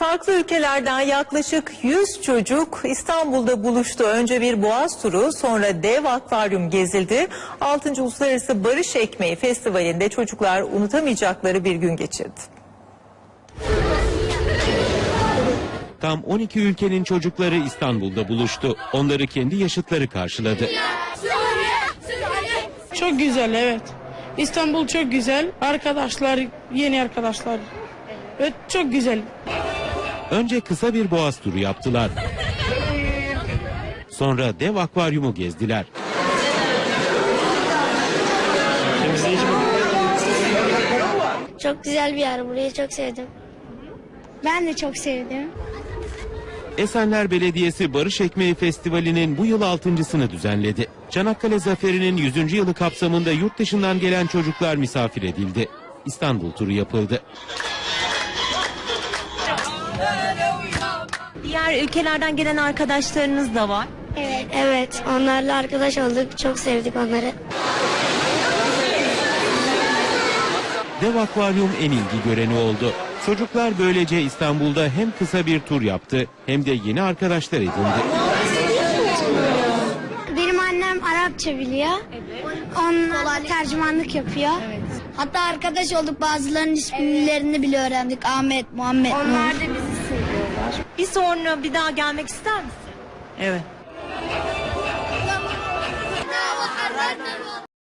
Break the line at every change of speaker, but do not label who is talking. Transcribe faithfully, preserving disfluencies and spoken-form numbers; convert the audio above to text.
Farklı ülkelerden yaklaşık yüz çocuk İstanbul'da buluştu. Önce bir boğaz turu, sonra dev akvaryum gezildi. altıncı Uluslararası Barış Ekmeği Festivali'nde çocuklar unutamayacakları bir gün geçirdi.
Tam on iki ülkenin çocukları İstanbul'da buluştu. Onları kendi yaşıtları karşıladı.
Çok güzel, evet. İstanbul çok güzel. Arkadaşlar, yeni arkadaşlar. Evet, çok güzel.
Önce kısa bir boğaz turu yaptılar. Sonra dev akvaryumu gezdiler.
Çok güzel bir yer. Burayı çok sevdim.
Ben de çok sevdim.
Esenler Belediyesi Barış Ekmeği Festivali'nin bu yıl altıncısını düzenledi. Çanakkale Zaferi'nin yüzüncü yılı kapsamında yurt dışından gelen çocuklar misafir edildi. İstanbul turu yapıldı.
Diğer ülkelerden gelen arkadaşlarınız da var.
Evet. Evet. Onlarla arkadaş olduk. Çok sevdik onları.
Dev akvaryum en ilgi göreni oldu. Çocuklar böylece İstanbul'da hem kısa bir tur yaptı hem de yeni arkadaşlar edindi.
Benim annem Arapça biliyor. Evet. Onlar tercümanlık yapıyor. Evet. Hatta arkadaş olduk, bazılarının isimlerini bile öğrendik. Ahmet, Muhammed.
Onlar da bizi seviyorlar. Bir sonra bir daha gelmek ister misin?
Evet.